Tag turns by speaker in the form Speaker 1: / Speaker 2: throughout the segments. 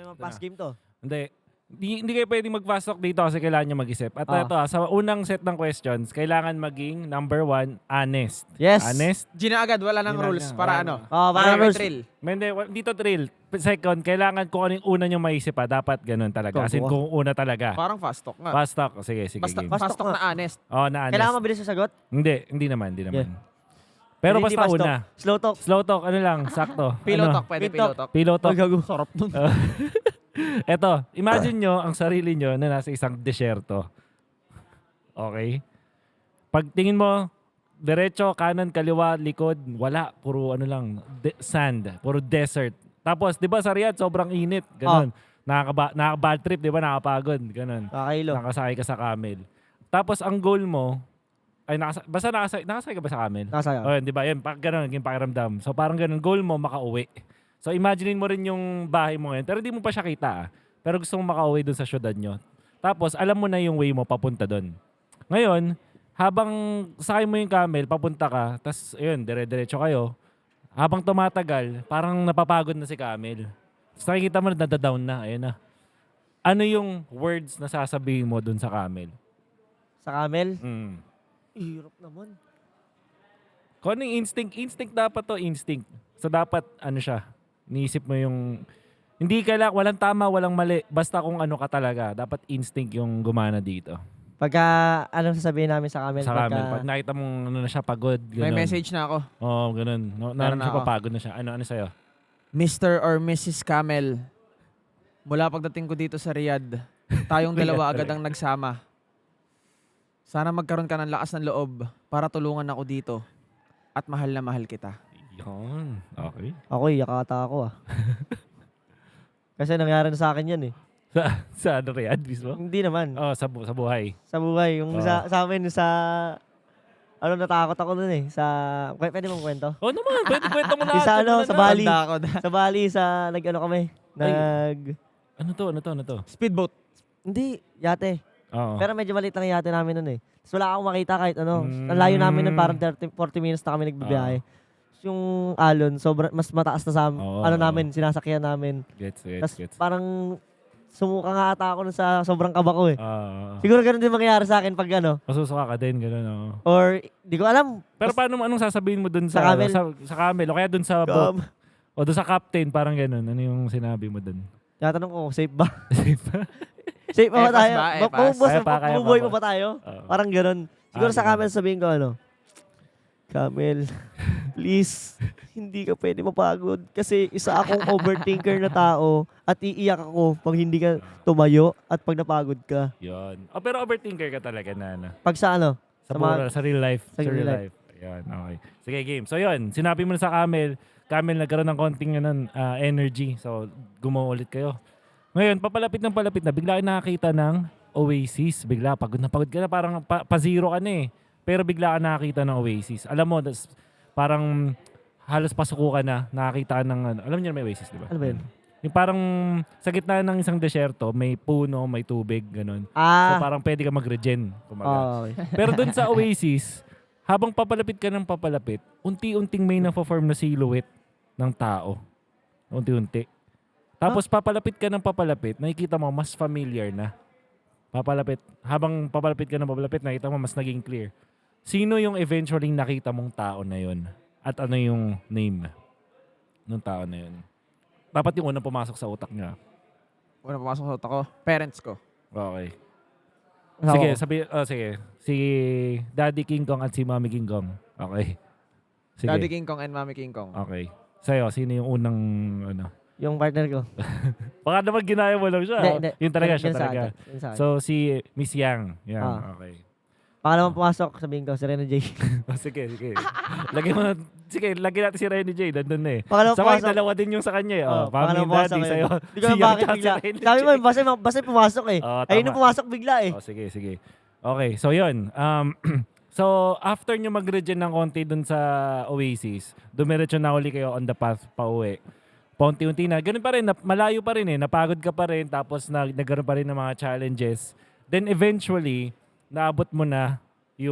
Speaker 1: naman pass game to.
Speaker 2: Hindi kayo pwedeng mag-fast talk dito kasi kailangan nyo mag-isip. At ito, sa unang set ng questions, kailangan maging number 1, honest.
Speaker 1: Yes.
Speaker 2: Honest.
Speaker 3: Gina agad, wala nang rules. Para ano?
Speaker 1: Para
Speaker 3: may
Speaker 1: rules.
Speaker 3: thrill.
Speaker 2: Dito thrill. Second, kailangan kung ano yung una nyo maisip dapat ganun talaga. As in, kung una talaga.
Speaker 3: Parang fast talk nga.
Speaker 2: Fast talk. Sige,
Speaker 3: Basta
Speaker 2: game.
Speaker 3: fast talk na honest.
Speaker 2: Na honest.
Speaker 1: Kailangan mabilis sa sagot?
Speaker 2: Hindi naman.
Speaker 1: Yeah.
Speaker 2: Pero
Speaker 1: Hindi
Speaker 2: basta
Speaker 1: fast
Speaker 2: una.
Speaker 1: talk. Slow talk.
Speaker 2: Slow talk, ano lang, sakto.
Speaker 3: Pillow
Speaker 2: Ano?
Speaker 3: talk, pwede
Speaker 1: Pillow
Speaker 3: pillow talk.
Speaker 2: Pillow talk.
Speaker 1: Ay, gago. Sarap nun.
Speaker 2: Eto, imagine nyo ang sarili nyo na nasa isang desyerto. Okay? Pag tingin mo, diretso, kanan, kaliwa, likod, wala. Puro ano lang, sand. Puro desert. Tapos, di ba sa Riyadh, sobrang init. Ganon. Nakaka-bad trip, di ba? Nakapagod. Ganon.
Speaker 1: Kakailo.
Speaker 2: Nakasakay ka sa camel. Tapos, ang goal mo, basta nakasakay ka ba sa camel?
Speaker 1: Nakasaya.
Speaker 2: O, di ba? Yan, ganon, yung pakiramdam. So, parang ganon, goal mo, makauwi. So, imaginein mo rin yung bahay mo ngayon. Pero di mo pa siya kita. Pero gusto mo makauwi dun sa syudad nyo. Tapos, alam mo na yung way mo papunta dun. Ngayon, habang sakay mo yung camel, papunta ka, tapos, ayun, dire-diretso kayo. Habang tumatagal, parang napapagod na si camel. Tapos nakikita mo na nadadown na. Ayun na. Ano yung words na sasabihin mo dun sa camel?
Speaker 1: Sa camel?
Speaker 2: Hirap
Speaker 1: naman.
Speaker 2: Kung ano yung instinct? Instinct dapat to, instinct. So, dapat, ano siya, niisip mo yung, hindi kailangan, walang tama, walang mali. Basta kung ano ka talaga, dapat instinct yung gumana dito.
Speaker 1: Pagka, anong sasabihin namin sa camel?
Speaker 2: Sa camel, pag nakita mong ano na siya, pagod, ganun.
Speaker 3: May message na ako.
Speaker 2: Oo, ganun. Naroon siya, papagod na siya. Ano sa'yo?
Speaker 3: Mr. or Mrs. Camel, mula pagdating ko dito sa Riyadh, tayong dalawa agad ang nagsama. Sana magkaroon ka ng lakas ng loob para tulungan ako dito. At mahal na mahal kita.
Speaker 2: Yun. Okay.
Speaker 1: Ako, yakata ako Kasi nangyari na sa akin yan
Speaker 2: Sa ano, Riyadh mismo?
Speaker 1: Hindi naman.
Speaker 2: Sa buhay.
Speaker 1: Sa buhay. Yung sa amin, natakot ako dun pwede mong kwento?
Speaker 2: Naman. Pwede kwento mo lahat.
Speaker 1: Sa Bali.
Speaker 3: Sa
Speaker 1: Bali, nag-ano kami.
Speaker 2: Ano to?
Speaker 1: Speedboat. Hindi, yate.
Speaker 2: Oo.
Speaker 1: Pero medyo maliit lang yung yate namin nun Tapos wala akong makita kahit ano. Ang layo namin nun, parang 40 minutes na kami nagbibiyahe. Yung alon, mas mataas na sa namin, sinasakyan namin. Tapos parang sumuka nga ata ako sa sobrang kaba ko Siguro ganun din mangyayari sa akin pag
Speaker 2: Masusuka ka din, gano'n.
Speaker 1: Or, di ko alam.
Speaker 2: Pero anong sasabihin mo dun
Speaker 1: sa camel?
Speaker 2: Sa camel, o kaya dun sa boat? O dun sa captain, parang gano'n. Ano yung sinabi mo dun?
Speaker 1: Tatanong ko, safe ba? Safe pa ba tayo? Mabubuhay pa ba tayo? Parang gano'n. Siguro sa camel sabihin ko Camel, please, hindi ka pwede mapagod kasi isa akong overthinker na tao at iiyak ako pag hindi ka tumayo at pag napagod ka.
Speaker 2: Yun. Pero overthinker ka talaga na.
Speaker 1: Pag sa
Speaker 2: Sa real life.
Speaker 1: Sa real life.
Speaker 2: Yun, okay. Sige, game. So yun, sinabi mo na sa Camel nagkaroon ng konting energy. So, gumawa ulit kayo. Ngayon, papalapit na, bigla kayo nakakita ng oasis. Bigla, pagod na ka na, parang pa-zero ka na Pero bigla ka nakakita ng oasis. Alam mo, parang halos pasuko ka na, nakakita ka ng, alam niyo may oasis, di ba?
Speaker 1: Ano ba yun?
Speaker 2: Yung parang sa gitna ng isang desyerto, may puno, may tubig, ganun. So parang pwede ka mag-regen.
Speaker 1: Okay.
Speaker 2: Pero dun sa oasis, habang papalapit ka ng papalapit, unti-unting may na-form na silhouette ng tao. Unti-unti. Tapos papalapit ka ng papalapit, nakikita mo mas familiar na. Habang papalapit ka ng papalapit, nakikita mo mas naging clear. Sino yung eventually nakita mong tao na yun? At ano yung name ng tao na yun? Dapat yung unang pumasok sa utak niya.
Speaker 3: Unang pumasok sa utak ko? Parents ko.
Speaker 2: Okay.
Speaker 1: Sige,
Speaker 2: sige. Si Daddy King Kong at si Mommy King Kong. Okay. Sige.
Speaker 3: Daddy King Kong and Mommy King Kong.
Speaker 2: Okay. Sa'yo, sino yung unang
Speaker 1: Yung partner ko.
Speaker 2: Baka naman ginaya mo lang siya.
Speaker 1: Hindi.
Speaker 2: Yung talaga siya talaga.
Speaker 1: So,
Speaker 2: si Miss Yang. Yan, okay.
Speaker 1: Pangalawang pumasok, sabihin ko, si Rene J.
Speaker 2: Sige. Lagyan mo na, lagyan natin si Rene J. Nandun na
Speaker 1: Pangalawang
Speaker 2: Sabay,
Speaker 1: pumasok.
Speaker 2: dalawa din yung sa kanya
Speaker 1: Pangalawang
Speaker 2: Mami and Daddy, sa'yo.
Speaker 1: Hindi ko na bakit bigla. Sabi mo, basta pumasok Ayun na pumasok bigla
Speaker 2: Sige. Okay, so yun. So, after nyo mag-regen ng konti dun sa Oasis, dumiretso na uli kayo on the path pa uwi. Paunti-unti na. Ganun pa rin, malayo pa rin Napagod ka pa rin, tapos nagkaroon pa rin ng mga challenges. Then eventually, naabot mo na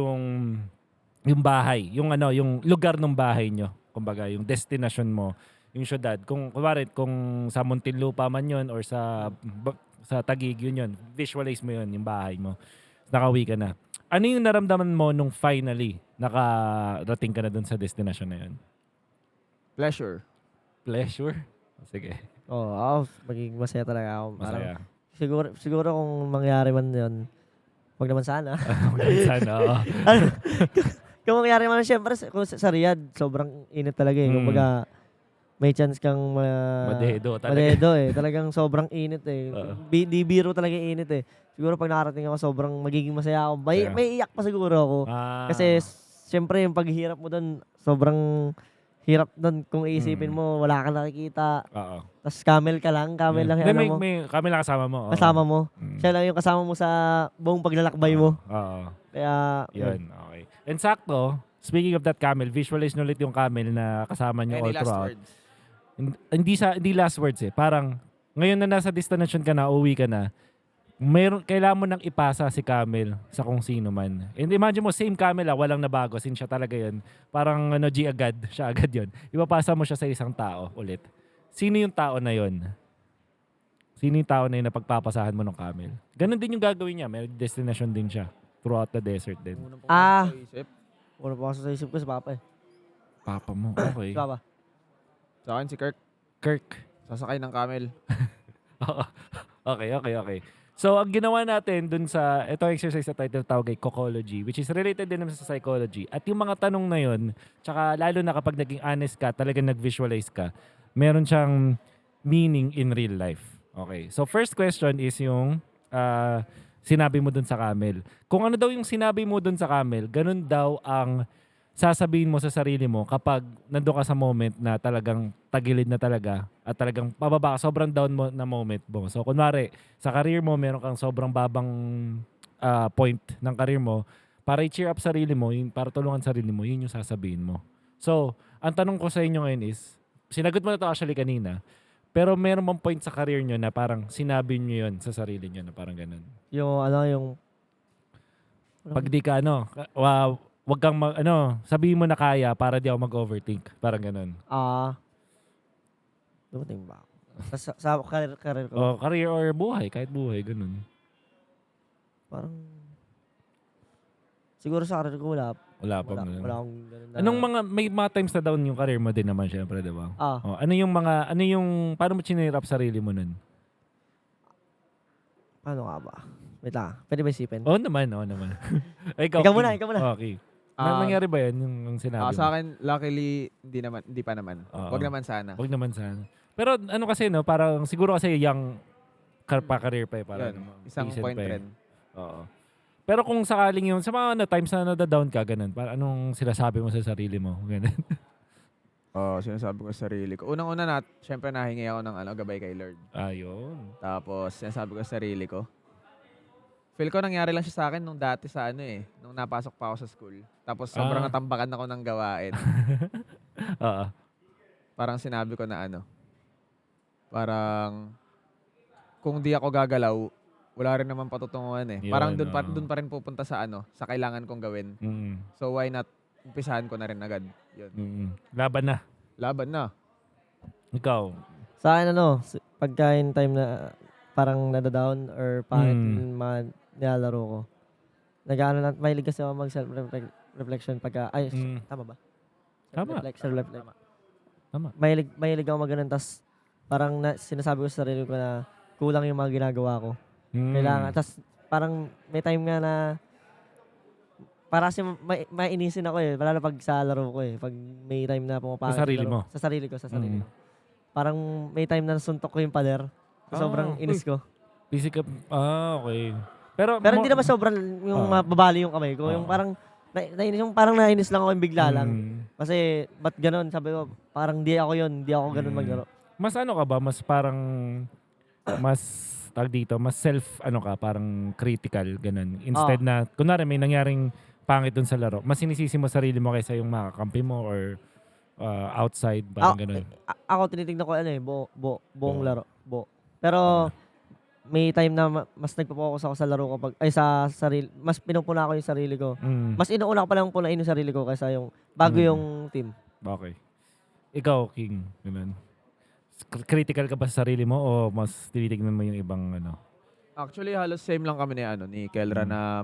Speaker 2: yung bahay, yung lugar ng bahay nyo. Kumbaga, yung destination mo, yung syudad. Kung kunwari, kung sa Muntinlupa man yun or sa Taguig yun, visualize mo yun, yung bahay mo. Nakauwi ka na. Ano yung naramdaman mo nung finally nakarating ka na dun sa destination na yun?
Speaker 3: Pleasure.
Speaker 2: Pleasure? Sige.
Speaker 1: Oo, magiging masaya talaga ako. Parang,
Speaker 2: Masaya.
Speaker 1: siguro kung mangyari man yun, wag naman sana.
Speaker 2: Sana, oo.
Speaker 1: Kung mangyari man, syempre, kung sa Riyadh, sobrang init talaga eh. Kumbaga, may chance kang
Speaker 2: Madedo talaga.
Speaker 1: madedo eh. Talagang sobrang init eh.
Speaker 2: Oo.
Speaker 1: Di biro talaga yung init eh. Siguro pag nakarating ako, sobrang magiging masaya ako.
Speaker 2: Masaya.
Speaker 1: May iyak pa siguro ako. Kasi, syempre, yung paghihirap mo doon, sobrang hirap doon kung iisipin mo, wala kang nakikita.
Speaker 2: Oo.
Speaker 1: Tapos camel ka lang, camel lang yung ano mo.
Speaker 2: Kami lang kasama mo. Oo.
Speaker 1: Kasama mo.
Speaker 2: Mm.
Speaker 1: Siya lang yung kasama mo sa buong paglalakbay mo.
Speaker 2: Oo.
Speaker 1: Kaya,
Speaker 2: Yun, okay. And sakto, speaking of that camel, visualize nyo ulit yung camel na kasama nyo all
Speaker 3: Any last
Speaker 2: throughout.
Speaker 3: words?
Speaker 2: Hindi last words eh. Parang, ngayon na nasa destination ka na, uwi ka na, kailangan mo nang ipasa si camel sa kung sino man. And imagine mo, same camel walang nabago, since siya talaga yun. Parang G agad, siya agad yun. Ipapasa mo siya sa isang tao ulit. Sino yung tao na yun? Sino yung tao na yun na pagpapasahan mo ng camel? Ganon din yung gagawin niya. May destination din siya. Throughout the desert din.
Speaker 3: Unang
Speaker 1: Ah.
Speaker 3: pumasok sa isip.
Speaker 1: Una pa ako sa isip ko si Papa eh.
Speaker 2: Papa mo, okay.
Speaker 1: Si Papa.
Speaker 3: Sa akin si Kirk.
Speaker 2: Kirk.
Speaker 3: Sasakay ng camel.
Speaker 2: Okay. So, ang ginawa natin dun sa, ito exercise na title tawag ay Cocology, which is related din naman sa psychology. At yung mga tanong na yun, tsaka lalo na kapag naging honest ka, talagang nag-visualize ka, meron siyang meaning in real life. Okay. So, first question is yung sinabi mo dun sa camel. Kung ano daw yung sinabi mo dun sa camel, ganun daw ang sasabihin mo sa sarili mo kapag nandun ka sa moment na talagang tagilid na talaga at talagang pababa ka, sobrang down mo na moment mo. So, kunwari, sa career mo, meron kang sobrang babang point ng career mo, para i-cheer up sarili mo, para tulungan sarili mo, yun yung sasabihin mo. So, ang tanong ko sa inyo ngayon is, sinagot mo na to actually kanina, pero meron bang point sa career nyo na parang sinabi nyo yun sa sarili nyo na parang ganun?
Speaker 1: Yung
Speaker 2: Pag di ka wag kang sabihin mo na kaya para di ako mag-overthink. Parang ganun.
Speaker 1: Dumating ba ako? Sa career ko.
Speaker 2: O career or buhay, kahit buhay, ganun.
Speaker 1: Parang, siguro sa career ko wala
Speaker 2: Ganun.
Speaker 1: wala akong ganun na.
Speaker 2: Anong may mga times na down yung career mo din naman syempre, di ba?
Speaker 1: Ah,
Speaker 2: Paano mo chinirap sarili mo nun?
Speaker 1: paano nga ba? Wait lang, pwede ba isipin?
Speaker 2: Oo naman. Ikaw
Speaker 1: Ikaw muna.
Speaker 2: Okay.
Speaker 3: Ah,
Speaker 2: Nangyari ba yan yung sinabi mo?
Speaker 3: Sa akin, luckily, hindi pa naman.
Speaker 2: Oo.
Speaker 3: Wag naman sana.
Speaker 2: Wag naman sana. Pero kasi parang siguro kasi young pa-career pa eh. Parang,
Speaker 3: Yun, isang
Speaker 2: decent
Speaker 3: point
Speaker 2: pa eh.
Speaker 3: rin.
Speaker 2: Oo. Pero kung sakaling yung, sa mga times na nada-down ka, ganun, parang anong sinasabi mo sa sarili mo? Ganun.
Speaker 3: Sinasabi ko sa sarili ko. Unang-una syempre nahingi ako ng gabay kay Lord.
Speaker 2: Ayun.
Speaker 3: Tapos, sinasabi ko sa sarili ko. Feel ko nangyari lang siya sa akin nung dati nung napasok pa ako sa school. Tapos sobrang natambakan ako ng gawain.
Speaker 2: Oo.
Speaker 3: Parang sinabi ko na parang kung di ako gagalaw, wala rin naman patutunguhan eh.
Speaker 2: Yun,
Speaker 3: Parang dun pa rin pupunta sa sa kailangan kong gawin.
Speaker 2: Mm.
Speaker 3: So why not umpisahan ko na rin agad. Yun.
Speaker 2: Laban na.
Speaker 3: Laban na.
Speaker 2: Ikaw.
Speaker 1: sa akin pagka in time na parang nadadown or pangit yung mga nilalaro ko. Mahilig kasi ako mag self-reflection pagka, tama ba?
Speaker 2: Tama.
Speaker 1: Self-reflection.
Speaker 2: Tama.
Speaker 1: Mahilig ako mag-ganun, tas parang sinasabi ko sa sarili ko na kulang yung mga ginagawa ko. Kailangan, tas parang may time nga na para kasi mainisin ako eh, lalo pag sa laro ko eh, pag may time na pumapangit.
Speaker 2: Sa sarili mo?
Speaker 1: Sa sarili ko. Parang may time na nasuntok ko yung pader. Sobrang inis ko.
Speaker 2: Physical. Okay. Pero
Speaker 1: hindi naman sobrang yung mababali yung kamay ko. Yung parang nainis lang ako yung bigla lang. Kasi ba't ganun? Sabi ko, parang di ako yun. Di ako ganun maglaro.
Speaker 2: Mas ka ba? Mas parang mas self parang critical ganun. Instead na kunwari may nangyaring pangit dun sa laro, mas sinisisi mo sarili mo kaysa yung makakampi mo or outside parang ganun.
Speaker 1: Ako tinitignan ko buong laro. Pero may time na mas nagpo-focus ako sa laro ko sa sarili, mas pinupuna ko yung sarili ko. Mas inuuna ko pa lang punain yung sarili ko kaysa yung bago yung team.
Speaker 2: Okay. Ikaw, King, ganun. critical ka ba sa sarili mo o mas tinitignan mo yung ibang ano?
Speaker 3: Actually, halos same lang kami ni Kelra na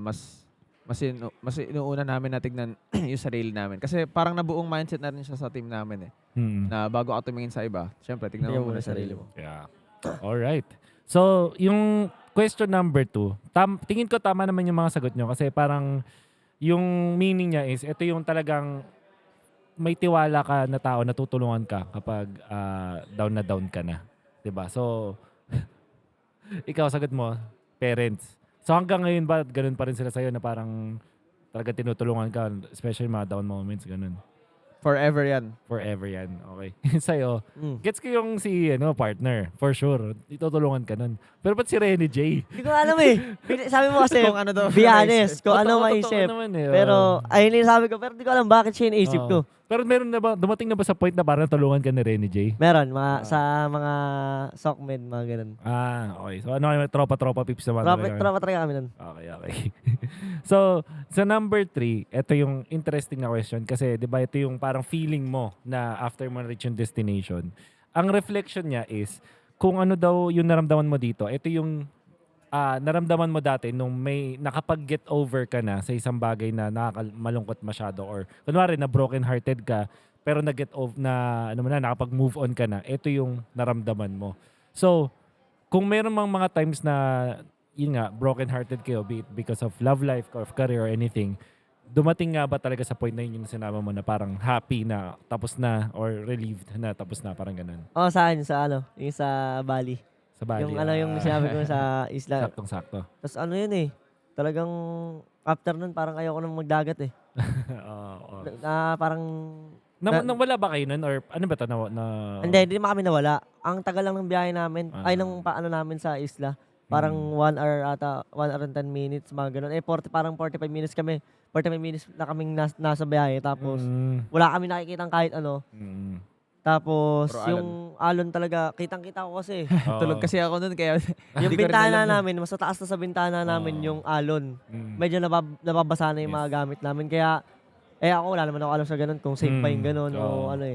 Speaker 3: mas inuuna namin na tignan yung sarili namin. Kasi parang nabuong mindset na rin siya sa team namin Na bago ka tumingin sa iba, syempre, tignan mo muna sarili mo.
Speaker 2: Yeah. Alright. So, yung question number 2, tingin ko tama naman yung mga sagot nyo kasi parang yung meaning niya is, ito yung talagang may tiwala ka na tao na tutulungan ka kapag down na down ka na. 'Di ba? So, ikaw sagot mo, parents. So hanggang ngayon ba ganun pa rin sila sa'yo na parang talaga tinutulungan ka, especially mga down moments, ganun?
Speaker 3: Forever yan.
Speaker 2: Forever yan. Okay. Sa'yo, gets ko yung partner. For sure. Itutulungan ka nun. Pero ba't si Renny J?
Speaker 1: Hindi ko alam Sabi mo kasi,
Speaker 3: Kung ano daw,
Speaker 1: be honest, kung ano
Speaker 2: Totoo
Speaker 1: maisip.
Speaker 2: naman
Speaker 1: Pero, ayun yung sabi ko, pero hindi ko alam bakit siya iniisip ko.
Speaker 2: Pero meron na ba, dumating na ba sa point na parang tulungan ka ni Renny J?
Speaker 1: Meron, sa mga sockmed, mga ganun.
Speaker 2: Okay. So ano kayo, tropa-tropa pips naman?
Speaker 1: Tropa talaga kami nun.
Speaker 2: Okay. So, sa number 3, ito yung interesting na question kasi 'di ba ito yung parang feeling mo na after mo reach yung destination. Ang reflection niya is kung ano daw yung naramdaman mo dito. Ito yung naramdaman mo dati nung may nakapag-get over ka na sa isang bagay na malungkot masyado or kunwari na broken hearted ka pero na-get over na nakapag-move on ka na. Ito yung naramdaman mo. So, kung meron mang mga times na yun nga, broken-hearted kayo, be it because of love life or career or anything, dumating nga ba talaga sa point na yun yung sinama mo na parang happy na tapos na or relieved na tapos na, parang ganun?
Speaker 1: Saan? Yung sa Bali.
Speaker 2: Sa Bali.
Speaker 1: Yung yung sinabi ko sa isla.
Speaker 2: Saktong-sakto.
Speaker 1: Tapos talagang after nun parang ayoko nang magdagat parang...
Speaker 2: Nawala ba kayo nun or ano ba ito?
Speaker 1: Hindi naman kami nawala. Ang tagal lang ng biyahe namin, ng paano namin sa isla. Parang 1 hour ata, 1 hour and 10 minutes, mga ganun. Parang 45 minutes kami. 45 minutes na kaming nasa biyahe. Tapos, wala kami nakikitang kahit ano. Tapos, yung alon talaga, kitang-kita ko kasi.
Speaker 3: Tulog kasi ako nun, kaya
Speaker 1: Yung bintana namin, mas mataas na sa bintana namin yung alon. Medyo nababasa na yung mga gamit namin. Kaya, ako wala naman ako alam sa ganun, kung safe pa yung ganun o ano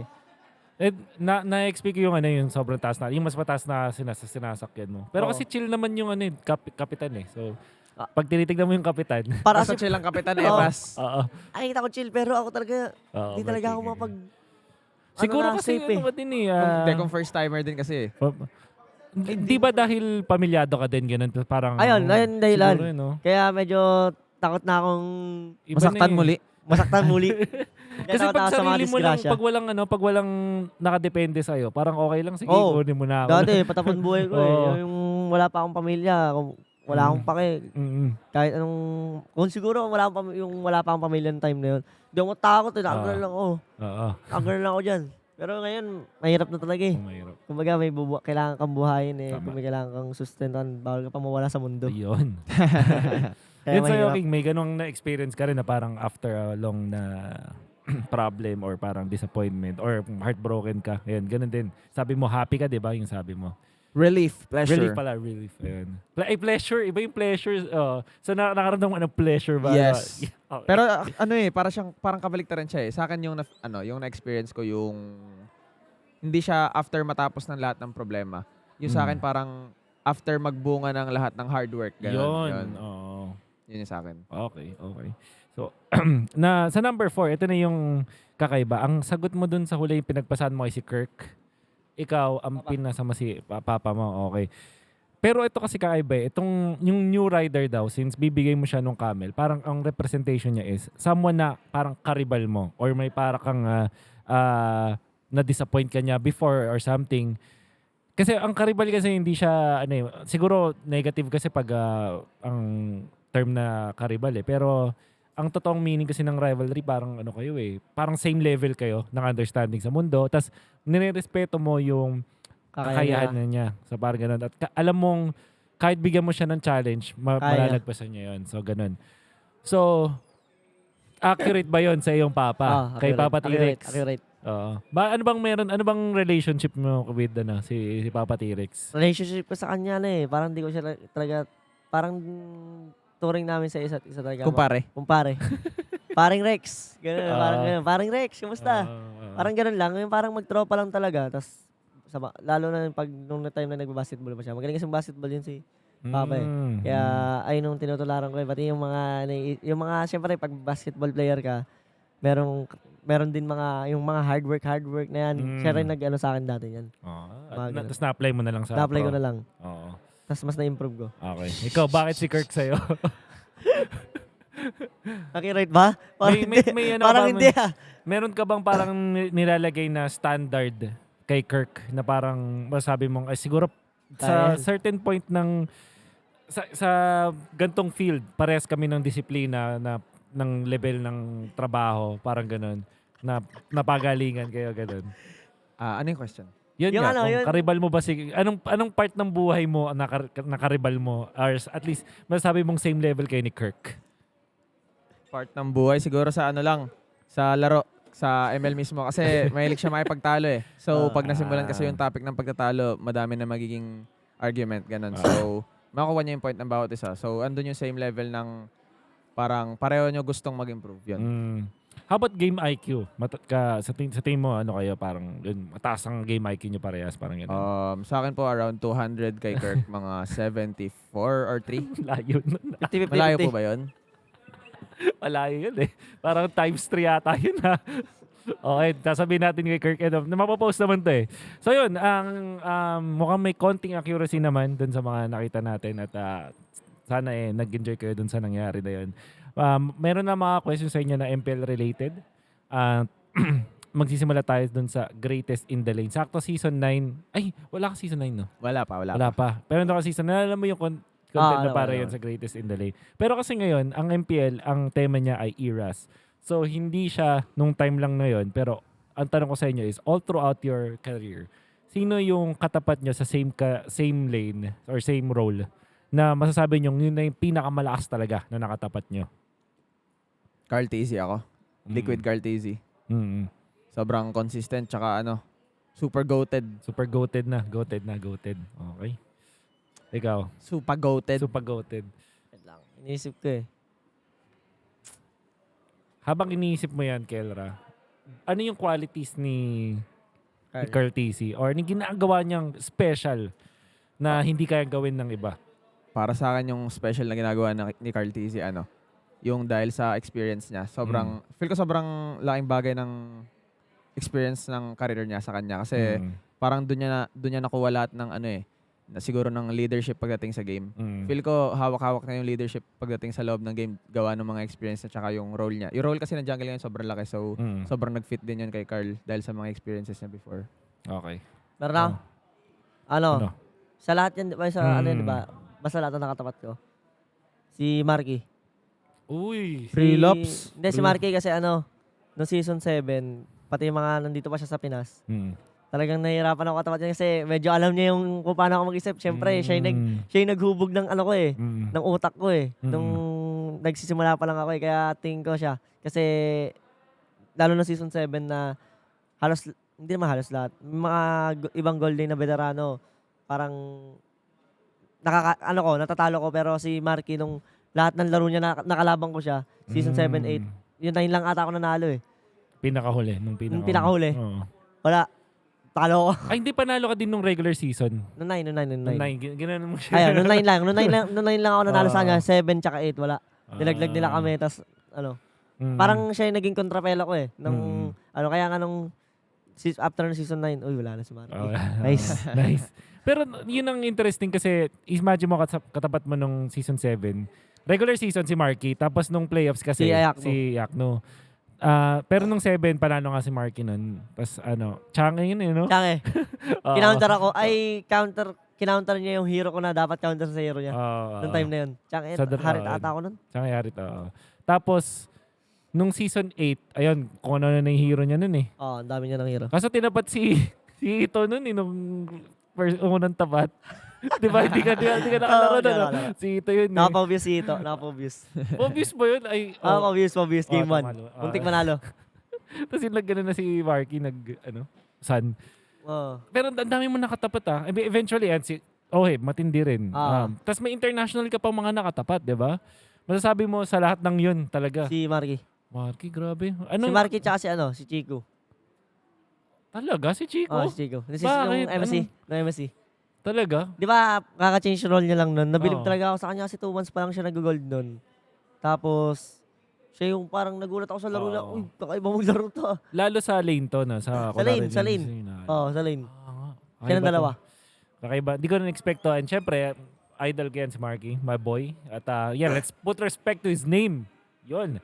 Speaker 2: Na-explain ko yung sobrang taas na, yung mas mataas na sinasakyan mo. Pero kasi chill naman yung kapitan So, pag tinitignan mo yung kapitan.
Speaker 3: Para sa chill ang kapitan, Evas.
Speaker 1: Ay, kita ko chill, pero ako talaga, hindi talaga ako mapag...
Speaker 2: Siguro kasi
Speaker 1: safe
Speaker 2: din
Speaker 3: Kung first timer din kasi
Speaker 2: Di ba dahil pamilyado ka din, ganun? Parang...
Speaker 1: Ayun dahilan.
Speaker 2: Siguro,
Speaker 1: Kaya medyo takot na akong...
Speaker 3: Masaktan muli.
Speaker 2: Kasi pag sarili mo lang, pag walang nakadepende sa'yo, parang okay lang, sige, kunin mo na ako.
Speaker 1: Dati, patapon buhay ko Yung wala pa akong pamilya, wala akong pake. Kahit anong, kung siguro wala pa akong pamilya ng time na yun, hindi ako takot, nakagal lang ako. Nakagal lang ako dyan. Pero ngayon, mahirap na talaga
Speaker 2: Mahirap.
Speaker 1: Kumbaga, kailangan kang buhayin kung may kailangan kang sustentan, bawal ka pa mawala sa mundo.
Speaker 2: Ayun. Yun sa'yo, King, may ganong na-experience ka rin na parang after a long na problem or parang disappointment or heartbroken ka. Ayun, ganun din. Sabi mo, happy ka, di ba? Yung sabi mo.
Speaker 3: Relief, pleasure.
Speaker 2: Relief pala, relief. Ayun. Pleasure, iba yung pleasure. So, nakaramdam mo ng pleasure ba?
Speaker 3: Yes.
Speaker 2: Okay.
Speaker 3: Pero parang kabaliktaran siya Sa akin yung na-experience ko yung hindi siya after matapos ng lahat ng problema. Yung sa akin parang after magbunga ng lahat ng hard work. Yun.
Speaker 2: Oo.
Speaker 3: Yun yung sa akin.
Speaker 2: Okay. So, sa number 4, ito na yung kakaiba. Ang sagot mo dun sa huli yung pinagpasahan mo kay si Kirk. Ikaw, ang pinasama si papa mo. Okay. Pero ito kasi kakaiba yung new rider daw, since bibigay mo siya nung camel, parang ang representation niya is someone na parang karibal mo or may parang kang na-disappoint ka niya before or something. Kasi ang karibal kasi hindi siya, siguro negative kasi pag ang term na karibal Pero ang totoong meaning kasi ng rivalry, parang kayo parang same level kayo ng understanding sa mundo. Tapos nirerespeto mo yung kakayahan niya. So parang ganun. At alam mong kahit bigyan mo siya ng challenge, malalagpasan niya yun. So ganun. So, accurate ba yun sa iyong papa? Kay Papa T-Rex?
Speaker 1: Accurate.
Speaker 2: Ano bang relationship mo with si Papa T-Rex?
Speaker 1: Relationship ko sa kanya parang di ko siya talaga, parang turing namin sa isa't isa talaga. Kumpare. Paring Rex. Ganun, parang ganun. Paring Rex, kumusta? Parang ganun lang. Parang magtropa lang talaga. Tapos, lalo na pag nung time na nagba-basketball pa siya. Magaling kasi basketball yun si Papa eh. Kaya ayun nung tinutularan ko eh. Pati yung mga syempre pag basketball player ka, meron din yung mga hard work na yan. Siya rin nag-ano sa akin dati yan.
Speaker 2: Tapos na-apply mo na lang sa
Speaker 1: Na-apply
Speaker 2: pro.
Speaker 1: ko na lang.
Speaker 2: Oo.
Speaker 1: Tapos mas na-improve ko.
Speaker 2: Okay. Ikaw, bakit si Kirk sa'yo?
Speaker 1: Nakirate ba? Parang hindi ah.
Speaker 2: Meron ka bang parang nilalagay na standard kay Kirk na parang masabi mong, siguro sa certain point sa gantong field, parehas kami ng disiplina ng level ng trabaho, parang ganun, na napagalingan kayo ganun.
Speaker 3: Ano yung question?
Speaker 2: Yun
Speaker 1: Yung
Speaker 2: nga,
Speaker 1: ano, yun-
Speaker 2: karibal mo ba anong part ng buhay mo na karibal mo, or at least masasabi mong same level kayo ni Kirk?
Speaker 3: Part ng buhay siguro sa sa laro, sa ML mismo. Kasi mahilig siya makipagtalo eh. So, pag nasimulan kasi yung topic ng pagtatalo, madami na magiging argument, ganun. So, makukuha niya yung point ng bawat isa. So, andun yung same level ng parang pareho nyo gustong mag-improve. Yun.
Speaker 2: How about game IQ? Sa tingin mo, ano kayo, parang yun, mataas ang game IQ nyo parehas, parang gano'n?
Speaker 3: Sa akin po, around 200 kay Kirk, mga 74 or 3.
Speaker 2: Layo nun.
Speaker 3: Malayo po ba yun?
Speaker 2: Malayo yun eh. Parang times 3 yata yun ha. Okay, sasabihin natin kay Kirk Edom na mapopost naman to eh. So yun, mukhang may konting accuracy naman dun sa mga nakita natin at sana nag-enjoy kayo dun sa nangyari na yun. Meron na mga questions sa inyo na MPL related. Magsisimula tayo dun sa greatest in the lane. Sakto season 9. Ay, wala ka season 9 no?
Speaker 3: Wala pa.
Speaker 2: Pero nung season 9, alam mo yung content na para yun sa greatest in the lane. Pero kasi ngayon, ang MPL, ang tema niya ay eras. So, hindi siya nung time lang na yun. Pero, ang tanong ko sa inyo is, all throughout your career, sino yung katapat nyo sa same lane or same role na masasabi nyo yun na yung pinakamalakas talaga na nakatapat nyo?
Speaker 3: Carl Tizzy ako. Liquid Carl Tizzy. Sobrang consistent, tsaka super goated.
Speaker 2: Super goated na. Goated. Okay. Ikaw?
Speaker 3: Super goated.
Speaker 2: Super goated.
Speaker 1: Wait lang. Iniisip ko eh.
Speaker 2: Habang iniisip mo yan, Kelra, ano yung qualities ni Carl Tizzy or ni ginagawa niyang special na hindi kaya gawin ng iba?
Speaker 3: Para sa akin yung special na ginagawa ni Carl Tizzy, yung dahil sa experience niya. Feel ko sobrang laking bagay ng experience ng career niya sa kanya. Kasi parang doon niya nakuha lahat ng siguro ng leadership pagdating sa game. Feel ko hawak-hawak na yung leadership pagdating sa loob ng game, gawa ng mga experience at saka yung role niya. Yung role kasi ng jungle ngayon sobrang laki, so sobrang nag-fit din yun kay Carl dahil sa mga experiences niya before.
Speaker 2: Okay.
Speaker 1: Meron ako. Sa lahat yan, di ba? Basta lahat na nakatapat ko. Si Marky.
Speaker 2: Uy.
Speaker 3: Freelops.
Speaker 1: Hindi, si Marky kasi no season 7, pati yung mga nandito pa siya sa Pinas. Talagang nahihirapan ako katapat niya kasi medyo alam niya yung kung paano ako mag-isip. Siyempre, siya yung naghubog ng ko eh. Ng utak ko eh. Nung nagsisimula pa lang ako eh. Kaya tingin ko siya. Kasi lalo na season 7 na hindi naman halos lahat. Mga ibang golden na veterano. Parang natatalo ko. Pero si Marky nung lahat ng laro niya nakalabang ko siya. Season 7, 8. Yun 9 lang ata ako nanalo eh.
Speaker 2: Pinakahuli. Nung
Speaker 1: pinakahuli.
Speaker 2: Oo.
Speaker 1: Wala. Talo ko.
Speaker 2: Ay, hindi panalo ka din nung regular season.
Speaker 1: Noong 9.
Speaker 2: Ginanon mo siya.
Speaker 1: Ayun, noong 9 lang. Noong 9 lang ako nanalo sa kanya. 7 tsaka 8, wala. Nilaglag nila kami. Tapos, parang siya yung naging kontrapelo ko eh. Kaya nga nung after ng season 9, uy, wala na si Marky. Nice.
Speaker 2: Nice. Pero yun ang interesting kasi imagine mo katapat mo nung season 7. Regular season si Marky. Tapos nung playoffs kasi si Yakno. Pero nung 7, panalo nga si Marky nun. Tapos Change yun no?
Speaker 1: Change. Kinounter ako. Kinounter niya yung hero ko na dapat counter sa hero niya. Nung time na yun. Change, Harit ata ako nun.
Speaker 2: Change, Harit, Tapos, nung season 8, ayun, kung ano na yung hero niya nun eh.
Speaker 1: Ang dami niya ng hero.
Speaker 2: Kaso tinapat si Ito nun eh, nung unang tapat. Di ba? Hindi ka nakalaro na. Si Ito yun eh.
Speaker 1: Nakapa-obvious si Ito. Nakapa-obvious.
Speaker 2: Obvious ba yun?
Speaker 1: Obvious. Game 1. Muntik manalo.
Speaker 2: Tapos yung nagano na si Marky, Sun. Pero ang dami mo nakatapat Eventually, matindi rin. Tapos may international ka pang mga nakatapat, di ba? Masasabi mo sa lahat ng yun talaga.
Speaker 1: Si Marky.
Speaker 2: Marky, grabe.
Speaker 1: Si Marky tsaka si Chico.
Speaker 2: Talaga? Si Chico?
Speaker 1: Oh, si Chico. Si
Speaker 2: Bakit?
Speaker 1: yung MC. Yung MC.
Speaker 2: Talaga?
Speaker 1: Di ba, kaka-change role niya lang nun. Nabilib
Speaker 2: Oo.
Speaker 1: talaga ako sa kanya kasi 2 months pa lang siya nag-gold nun. Tapos, siya yung parang nagulat ako sa laro niya.
Speaker 2: Oo.
Speaker 1: Uy, kakaiba mong laro to.
Speaker 2: Lalo sa lane to na. Sa
Speaker 1: Sa lane. Oo, sa lane. Siya ng dalawa.
Speaker 2: Kakaiba. Di ko na-expect to. And syempre, idol ko yan si Marky, my boy. At let's put respect to his name. Yun.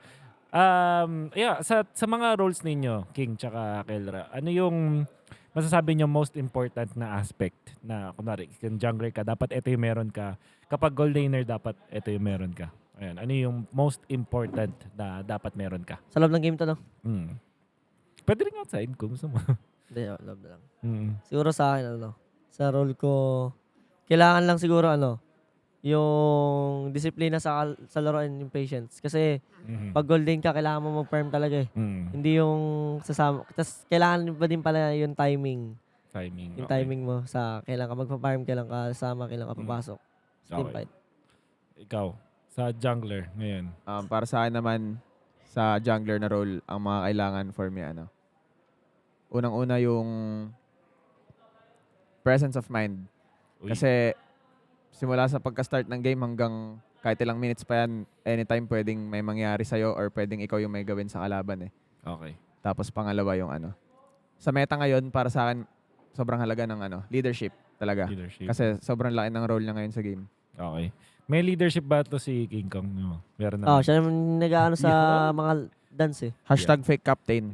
Speaker 2: Sa mga roles ninyo, King tsaka Kelra, ano yung masasabi nyo most important na aspect na, kunwari, kung jungler ka, dapat ito yung meron ka. Kapag gold laner, dapat ito yung meron ka. Ayan. Ano yung most important na dapat meron ka?
Speaker 1: Sa loob ng game to, no?
Speaker 2: Pwede rin outside kung gusto mo.
Speaker 1: Hindi, loob na lang.
Speaker 2: Siguro
Speaker 1: Siguro sa akin, sa role ko, kailangan lang siguro, yung disiplina sa laro and yung patience. Kasi, pag gold lane ka, kailangan mo mag-farm talaga eh. Hindi yung sasama. Tapos, kailangan pa din pala yung timing.
Speaker 2: Timing.
Speaker 1: Yung timing mo sa kailan ka magpa-farm, kailan ka kasama, kailan ka papasok. Team
Speaker 2: Okay.
Speaker 1: fight.
Speaker 2: Ikaw, sa jungler ngayon.
Speaker 3: Para sa akin naman, sa jungler na role, ang mga kailangan for me, unang-una yung presence of mind.
Speaker 2: Uy.
Speaker 3: Kasi simula sa pagka-start ng game hanggang kahit ilang minutes pa yan, anytime pwedeng may mangyari sa'yo or pwedeng ikaw yung may gawin sa kalaban eh.
Speaker 2: Okay.
Speaker 3: Tapos pangalawa yung Sa meta ngayon, para sa akin, sobrang halaga ng leadership talaga.
Speaker 2: Leadership.
Speaker 3: Kasi sobrang laki ng role niya ngayon sa game.
Speaker 2: Okay. May leadership ba to si King Kong? No? Meron naman.
Speaker 1: Siya naman nag-ano sa mga dance eh.
Speaker 3: Hashtag fake captain.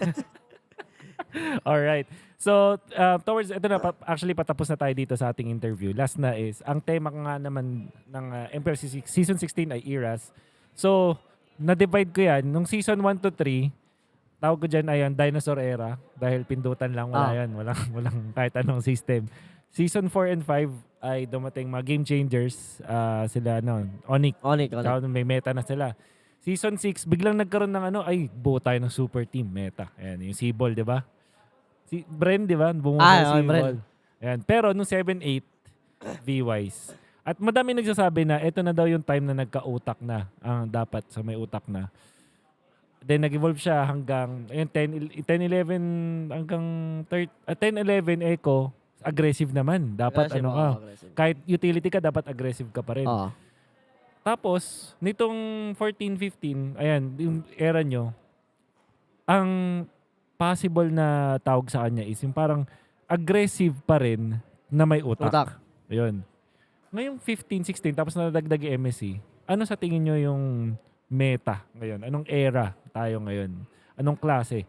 Speaker 2: Alright. So, towards, ito na, actually patapos na tayo dito sa ating interview. Last na is, ang tema nga naman ng MPL Season 16 ay eras. So, na-divide ko yan. Nung Season 1 to 3, tawag ko dyan ayan, Dinosaur Era. Dahil pindutan lang, wala yan. Walang kahit anong system. Season 4 and 5 ay dumating mga game changers. Sila, Onyx. Tsaka may meta na sila. Season 6, biglang nagkaroon ng buo tayo ng super team, meta. Ayan, yung Seaball, di ba? Si Bren, di ba? Bumuha si Seaball. Ayan. Pero nung 7-8, V-Wise. At madami nagsasabi na ito na daw yung time na nagka-utak na. Ang dapat sa may utak na. Then nag-evolve siya hanggang 10-11 hanggang 10-11 Echo, aggressive naman. Dapat
Speaker 1: Aggressive.
Speaker 2: kahit utility ka, dapat aggressive ka pa rin. Tapos, nitong 14-15, ayan, yung era nyo, ang possible na tawag sa kanya is yung parang aggressive pa rin na may utak. Ayun. Ngayong 15-16, tapos nadagdag yung MSC, ano sa tingin nyo yung meta ngayon? Anong era tayo ngayon? Anong klase?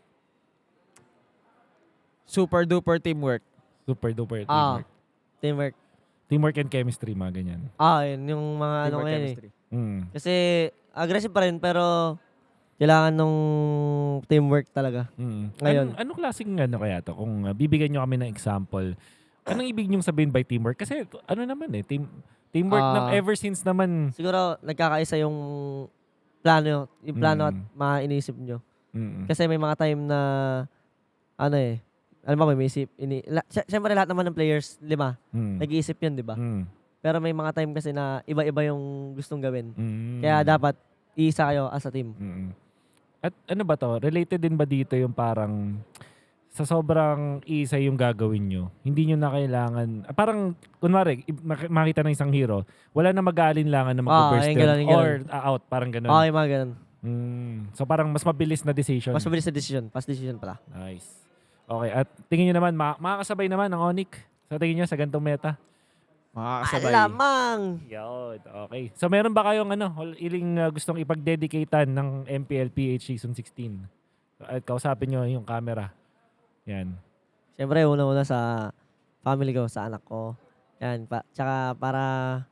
Speaker 3: Super duper teamwork.
Speaker 2: Super duper teamwork.
Speaker 1: Teamwork.
Speaker 2: Teamwork and chemistry, mga ganyan.
Speaker 1: Yun yung mga
Speaker 3: Teamwork
Speaker 1: ngayon
Speaker 3: chemistry.
Speaker 1: Kasi aggressive pa rin pero kailangan nung teamwork talaga. Ngayon.
Speaker 2: Anong klaseng kaya to? Kung bibigyan nyo kami ng example, anong ibig nyo sabihin by teamwork? Kasi naman teamwork ever since naman.
Speaker 1: Siguro nagkakaisa yung plano at mga iniisip nyo. Kasi may mga time na alam mo, may isip. Siyempre lahat naman ng players, 5, nag-iisip yun, di ba? Pero may mga time kasi na iba-iba yung gustong gawin. Kaya dapat iisa kayo as a team.
Speaker 2: At ano ba to? Related din ba dito yung parang sa sobrang isa yung gagawin nyo, hindi nyo na kailangan, parang kunwari, makita ng isang hero, wala na mag-aalinlangan na mag-burst or out, parang gano'n.
Speaker 1: Yung mga gano'n.
Speaker 2: So parang mas mabilis na decision.
Speaker 1: Mas mabilis na decision. Fast decision pala.
Speaker 2: Nice. Okay, at tingin nyo naman, makakasabay naman ang Onyx. So tingin nyo sa ganitong meta?
Speaker 3: Makakasabay.
Speaker 1: Alamang!
Speaker 2: Yun, okay. So meron ba kayong iling gustong ipag-dedicatean ng MPL PH Season 16? At kausapin nyo yung camera. Yan.
Speaker 1: Siyempre, una-una sa family ko, sa anak ko. Yan. Tsaka para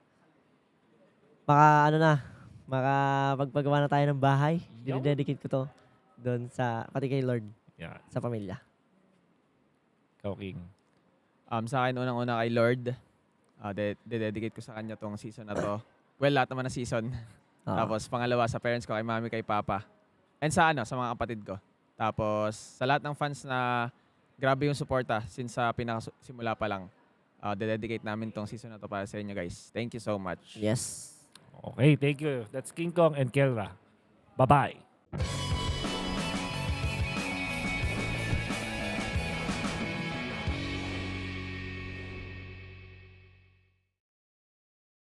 Speaker 1: makapagpagawa na tayo ng bahay. Dinededicate ko to doon pati kay Lord.
Speaker 2: Yeah.
Speaker 1: Sa pamilya.
Speaker 2: Ikaw, King.
Speaker 3: Sa akin, unang-una kay Lord. Dededicate ko sa kanya tong season na to. Well, lahat naman na season. Tapos pangalawa sa parents ko, kay mami, kay papa. And sa mga kapatid ko. Tapos sa lahat ng fans na grabe yung suporta since sa pinakasimula pa lang. Dededicate namin tong season na to para sa inyo, guys. Thank you so much.
Speaker 1: Yes.
Speaker 2: Okay, thank you. That's King Kong and Kelra. Bye-bye.